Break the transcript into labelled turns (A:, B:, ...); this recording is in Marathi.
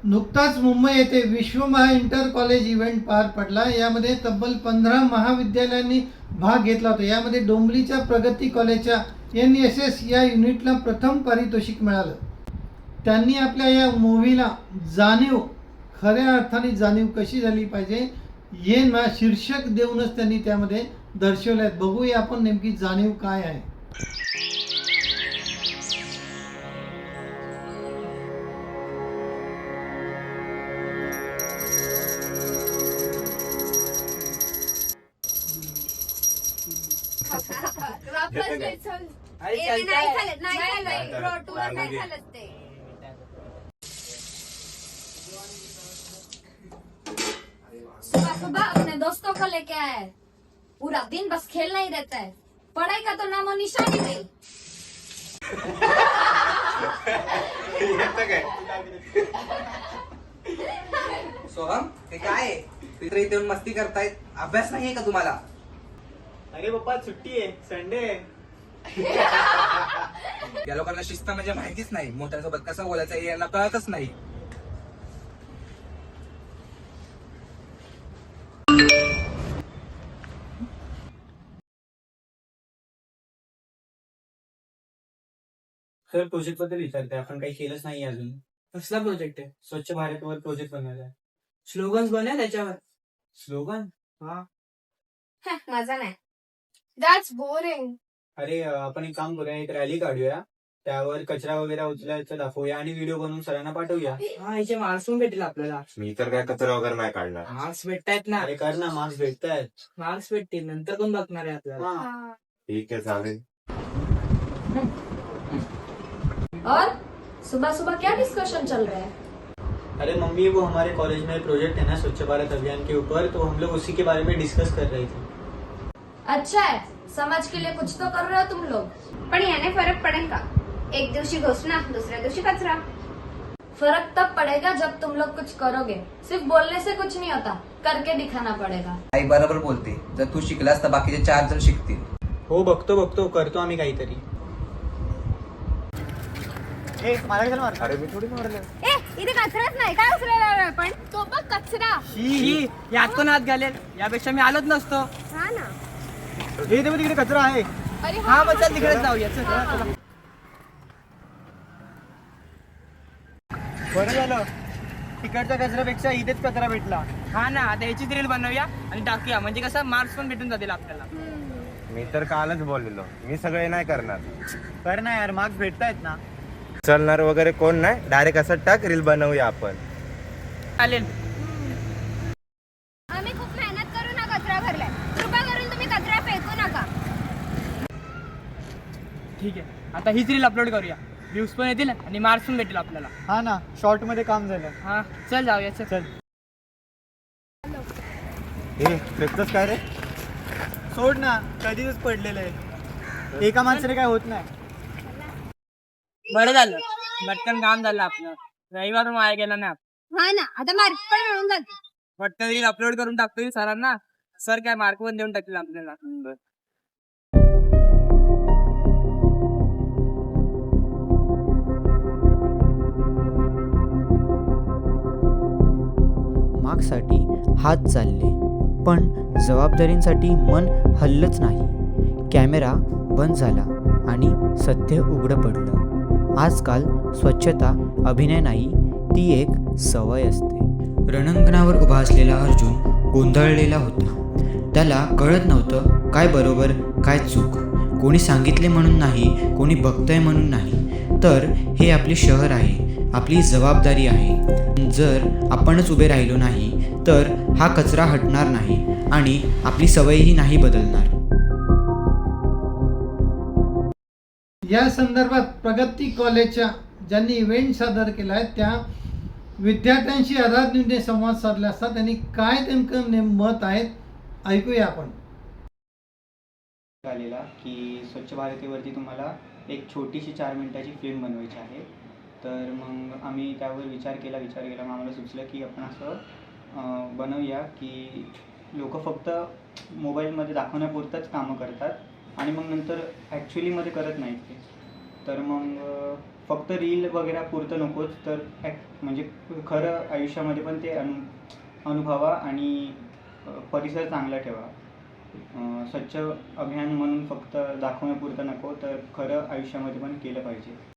A: नुकताच मुंबई येथे विश्वमहा इंटर कॉलेज इव्हेंट पार पडला। यामध्ये तब्बल 15 महाविद्यालयांनी भाग घेतला होता। यामध्ये डोंबिवलीच्या प्रगती कॉलेजच्या NSS या युनिटला प्रथम पारितोषिक मिळालं। त्यांनी आपल्या या मूव्हीला जाणीव, खऱ्या अर्थाने जाणीव कशी झाली पाहिजे हे ना शीर्षक देऊनच त्यांनी त्यामध्ये दर्शवले आहेत। बघूया आपण नेमकी जाणीव काय आहे।
B: सुबह सुबह अपने दोस्तों को लेके आया है। पूरा दिन बस खेलना ही रहता है, पढ़ाई का तो नामो निशान ही नहीं।
C: सोहम, ते काय आहे? मित्र इथे येऊन मस्ती करतायत, अभ्यास नाहीये का तुम्हाला?
D: अरे पप्पा सुट्टी आहे, संडे आहे।
C: या लोकांना शिस्त म्हणजे माहितीच नाही, मोठ्यांसोबत कसं बोलायचं हे यांना कळतच नाही।
D: सर प्रोजेक्ट बद्दल विचारते, आपण काही केलंच नाही अजून। कसला प्रोजेक्ट आहे? स्वच्छ भारतवर प्रोजेक्ट बनवायचा आहे। स्लोगन्स बनव त्याच्यावर। स्लोगन? हा।
B: मजा नाही। That's boring.
D: अरे आपण एक काम करूया, एक रॅली काढूया, त्यावर कचरा वगैरे उचलायचं दाखवूया आणि व्हिडिओ बनवून सरांना पाठवूया।
E: हा, याचे मार्क्स पण भेटेल आपल्याला।
F: मी तर काय कचरा वगैरे नाही काढणार।
E: मार्क्स भेटतायत ना,
D: अरे कर ना, मार्क्स भेटतायत।
E: मार्क्स भेटतील, नंतर कोण बघणार आहे आपल्याला।
F: ठीक है चालेल।
B: और सुबह सुबह क्या डिस्कशन चल रहा है?
D: अरे मम्मी, वो हमारे कॉलेज में प्रोजेक्ट है ना स्वच्छ भारत अभियान के ऊपर, तो हम लोग उसी के बारे में डिस्कस कर रहे थे।
B: अच्छा है, समाज के लिए कुछ तो कर रहे हो तुम लोग।
G: पण याने फरक पडेल का? एक दिवशी घोषणा, दुसऱ्या दिवशी कचरा।
B: फर्क तब पड़ेगा जब तुम लोग कुछ करोगे। सिर्फ बोलने से कुछ नहीं होता, करके दिखाना पड़ेगा।
C: आई बरोबर बोलते, जर तू शिकलास तर बाकीचे 4 जण शिकतील।
D: हो, बघतो करतो आम्ही काहीतरी। अरे मी थोडी मारलं।
G: ए, इथे कचराच नाही, काय उचलायला आलोय आपण? तो बघ कचरा।
E: ही यात कोण हात घालेल? यापेक्षा मी आलोच नसतो।
G: हा ना।
D: हे तेव्हा तिकडे कचरा आहे।
G: अरे
E: हा, बस चल तिकडे जाऊया, चल।
D: बरं झालं, तिकडच्या कचऱ्यापेक्षा इथेच कचरा भेटला।
E: हा ना, आता याचीच रील बनवूया आणि टाकूया, म्हणजे कसं मार्क्स पण भेटून जातील आपल्याला।
F: मी तर कालच बोललेलो, मी सगळे नाही करणार।
D: कर ना यार, मार्क्स भेटतायत ना।
F: चलणार वगैरे कोण नाही, डायरेक्ट असं टाक, रील बनवूया आपण।
E: चालेल।
G: आम्ही खूप मेहनत करून हा कचरा भरलाय, कृपा करून तुम्ही कचरा फेकू नका।
E: ठीक आहे, आता हीच रील अपलोड करूया, व्ह्यूज पण येतील आणि मार्क्स पण भेटेल आपल्याला।
D: हा ना, शॉर्ट मध्ये काम झालं।
E: हा, चल जाऊया, चल।
F: हे फेकतोस काय रे?
D: सोड ना, कधीच पडलेलं आहे, एका माणसाने काय होत नाही।
E: बरं झालं, पटकन काम झालं आपलं, रविवार वाया गेला नाही।
G: हा ना, आता मार्क्स पण मिळून जातील।
E: पटकन रील अपलोड करून टाकतो सरांना, सर काय मार्क पण देऊन टाकतील आपल्याला।
H: मार्क्ससाठी हात चालले, पण जबाबदारींसाठी मन हललंच नाही। कॅमेरा बंद झाला आणि सत्य उघडं पडलं। आजकाल स्वच्छता अभिनय नाही, ती एक सवय असते। रणांगणावर उभा असलेला अर्जुन गोंधळलेला होता। त्याला कळत नव्हतं काय बरोबर काय चूक। कोणी सांगितले म्हणून नाही, कोणी बघतंय म्हणून नाही, तर हे आपले शहर आहे, आपली जबाबदारी आहे। जर आपणच उभे राहिलो नाही तर हा कचरा हटणार नाही आणि आपली सवयही नाही बदलणार।
A: या संदर्भात प्रगती कॉलेजच्या ज्यांनी इव्हेंट सादर केला आहे त्या विद्यार्थ्यांशी आधारने संवाद साधला असता त्यांनी काय नेमकं मत आहेत ऐकूया आपण।
I: आलेला की स्वच्छ भारतीवरती तुम्हाला एक छोटीशी 4 मिनिटाची फिल्म बनवायची आहे। तर मग आम्ही त्यावर विचार केला मग आम्हाला सुचलं की आपण असं बनवूया की लोक फक्त मोबाईलमध्ये दाखवण्यापुरतंच कामं करतात आणि मग नंतर ॲक्च्युलीमध्ये करत नाहीत ते। तर मग फक्त रील वगैरे पुरतं नकोच, तर म्हणजे खरं आयुष्यामध्ये पण ते अनुभवा आणि परिसर चांगला ठेवा. स्वच्छ अभियान म्हणून फक्त दाखवण्यापुरतं नको, तर खरं आयुष्यामध्ये पण केलं पाहिजे.